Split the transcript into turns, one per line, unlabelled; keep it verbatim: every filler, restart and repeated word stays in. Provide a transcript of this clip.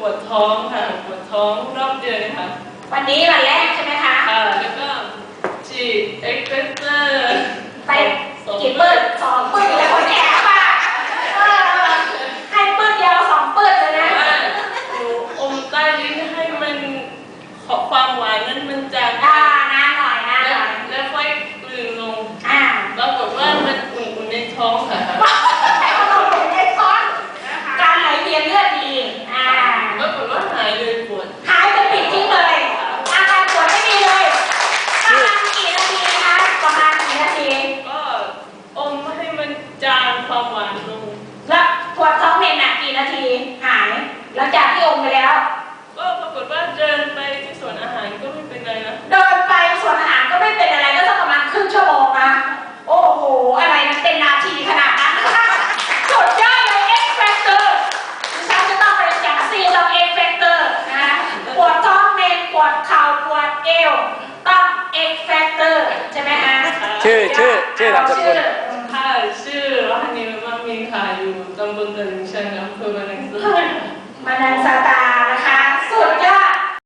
วดท้องค่ะปวดท้องรอบเดือนค่ะ
วันนี้วันแรกใช่ไหมคะ
ค่ะแล้วก็ฉีดเอ็กเซเตอร์
ไปกี่ปื้ดสองปื้ดแล้วคนแก่ป่ะให้ปื้ดเดียวสองปื้ดเลยนะ
หนูอมใต้ลิ้นให้มันความหวานนั้นมันจาง
อ่านานหน่อยนานหน่อย
แล้วค่อยกลืนลง
อ่า
ปรากฏว่ามันอุ่นๆในท้องค่ะ
แต่ว่าเราอุ่นในท้องการไหลเวียนเลือดดีอ่า
ปรากฏว่าหายเลยปวด
หายเป็นปิดทิ้งเลยอาการปวดไม่มีเลยประมาณกี่นาทีคะประมาณกี่นาที
ก็อมให้มันจางความหวานลง
แล้วปวดท้องเป็นหนักกี่นาทีหายหลังจากที่อมไปแล้ว
ก็ปรากฏว่าเดินไปที่สวนอาหารก็ไม่เป็นไรนะ
เดินไปสวนอาหารก็ไม่เป็นอะไรก็สักประมาณครึ่งชั่วโมงนะโอ้โหอะไรมันเป็นนาทีขนาดนั้นสุดยอดเลยเอ็กแฟกเตอร์ดิฉันจะต้องไปจัดซีเราเอ็กแฟกเตอร์นะปวดท้องเมนปวดเข่าปวดเอวต้องเอ็กแฟกเตอร์ใช่ไหมฮะ
ชื่อชื่อชื่อนามสกุล
ค่ะชื่อฮันนี่มามีค่ะอยู่ตำบลตลิ่งชันอำเภอมะนังสตา
มานังสตานะคะ